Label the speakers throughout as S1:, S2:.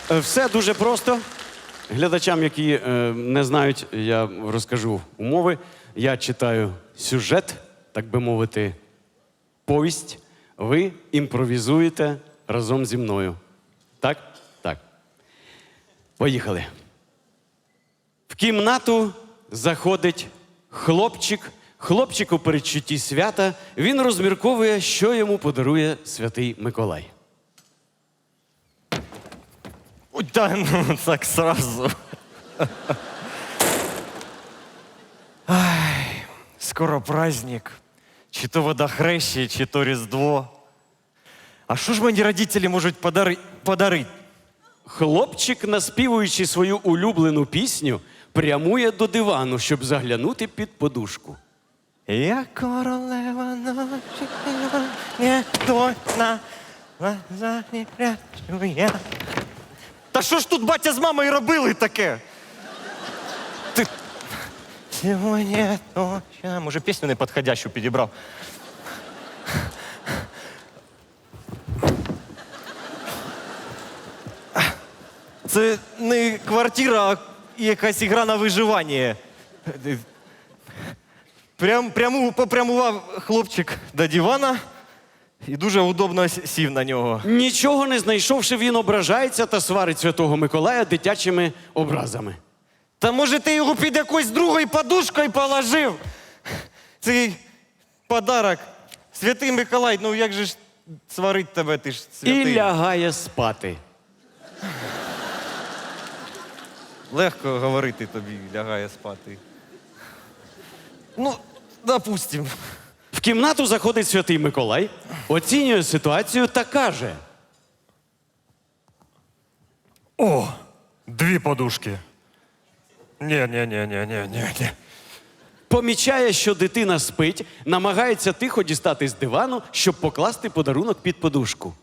S1: Все дуже просто. Глядачам, які не знають, я розкажу умови. Я читаю сюжет, так би мовити, повість. Ви імпровізуєте разом зі мною. Так? Так. Поїхали. В кімнату заходить хлопчик. Хлопчик у передчутті свята. Він розмірковує, що йому подарує Святий Миколай.
S2: Ой, да, ну так сразу. Ай, скоро праздник. Чи то водохрещение, чи то Різдво. А що ж мені родителі можуть подарити?
S1: Хлопчик, наспівуючи свою улюблену пісню, прямує до дивану, щоб заглянути під подушку.
S2: Я королева ночі, не точна, глаза не прячу я. Та що ж тут батя з мамою робили таке? Ти... Сьогодні точно... Може, пісню неподходящу підібрав. Це не квартира, а якась ігра на виживання. Попрямував хлопчик до дивана і дуже удобно сів на нього.
S1: Нічого не знайшовши, він ображається та сварить Святого Миколая дитячими образами.
S2: Та може ти його під якоюсь другою подушкою положив? Цей подарок. Святий Миколай, ну як же ж сварить тебе, ти ж святий.
S1: І лягає спати.
S2: Легко говорити тобі, лягає спати. Ну, допустим.
S1: В кімнату заходить Святий Миколай, оцінює ситуацію та каже:
S3: О, 2 подушки. Ні.
S1: помічає, що дитина спить, намагається тихо дістати з дивану, щоб покласти подарунок під подушку.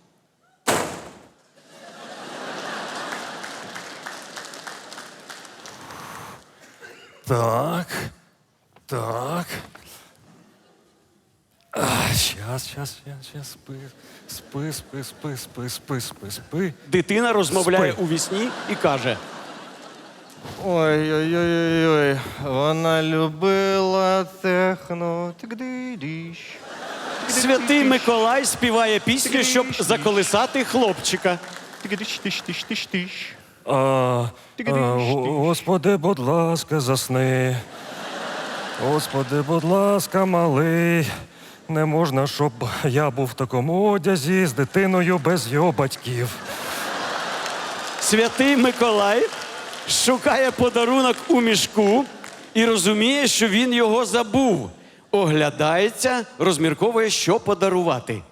S3: Так. Щас. Спи.
S1: Дитина розмовляє
S3: Спи.
S1: у вісні і каже:
S2: Ой, вона любила техно. Тик-ди-діщ.
S1: Святий Миколай співає пісню, щоб заколисати хлопчика.
S2: Тик-диш-тиш-тиш-тиш-тиш.
S3: Господи, будь ласка, засни. Господи, будь ласка, малий. Не можна, щоб я був в такому одязі з дитиною без його батьків.
S1: Святий Миколай шукає подарунок у мішку і розуміє, що він його забув. Оглядається, розмірковує, що подарувати.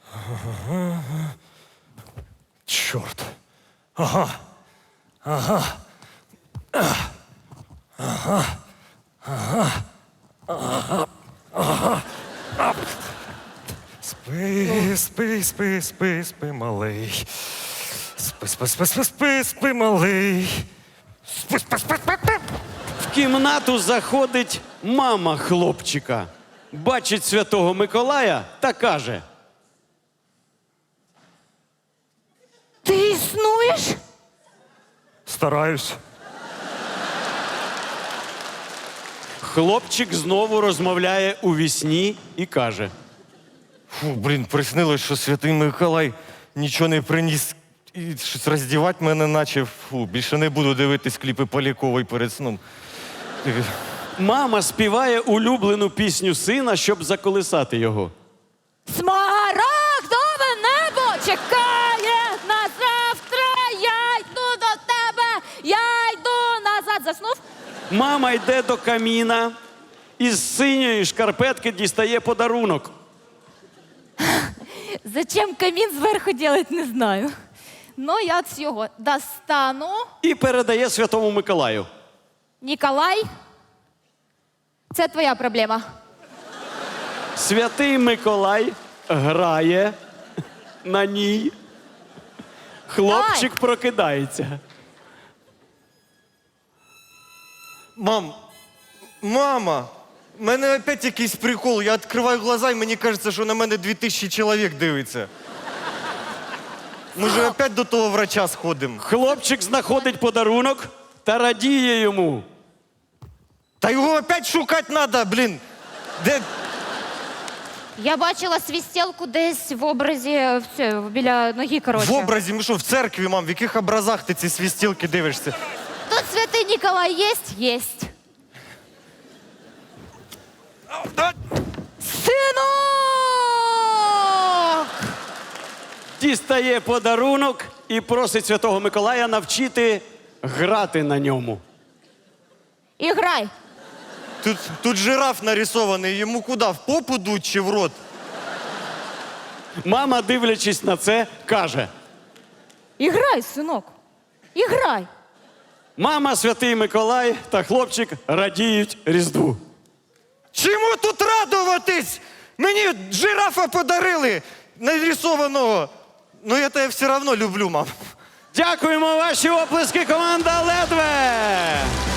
S3: Чорт. Спи, малий. Спи, малий. Спи.
S1: В кімнату заходить мама хлопчика. Бачить Святого Миколая та каже:
S4: Ти існуєш?
S3: Стараюсь.
S1: Хлопчик знову розмовляє у вісні і каже:
S2: Фу, блін, приснилось, що Святий Миколай нічого не приніс і щось роздівати мене наче. Фу, більше не буду дивитись кліпи Полякової перед сном.
S1: Мама співає улюблену пісню сина, щоб заколисати його.
S4: Смарагдове небо чекає на завтра. Я йду до тебе, я йду назад. Заснув?
S1: Мама йде до каміна і з синьої шкарпетки дістає подарунок.
S4: Зачем камін зверху делать, не знаю. Ну, я от його достану.
S1: І передає Святому Миколаю.
S4: Ніколай, це твоя проблема.
S1: Святий Миколай грає на ній. Хлопчик прокидається.
S2: Мама, в мене опять якийсь прикол. Я відкриваю глаза і мені кажеться, що на мене 2000 чоловік дивиться. Може, опять до того врача сходимо?
S1: Хлопчик знаходить подарунок та радіє йому.
S2: Та його опять шукати треба, блін. Де?
S4: Я бачила свістілку десь в образі біля ноги, коротше.
S2: В образі, ми що, в церкві, мам? В яких образах ти ці свістілки дивишся?
S4: Тут святий Ніколай єсть? Єсть. Синок!
S1: Дістає подарунок і просить Святого Миколая навчити грати на ньому.
S4: Іграй.
S2: Тут жираф нарисований, йому куди? В попу дуть чи в рот?
S1: Мама, дивлячись на це, каже:
S4: Іграй, синок. Іграй.
S1: мама, Святий Миколай та хлопчик радіють Різдву.
S2: Чому тут радуватись? Мені жирафа подарили, нарисованого. Ну я тебе все одно люблю, мам.
S1: Дякуємо, ваші оплески, команда Ледве!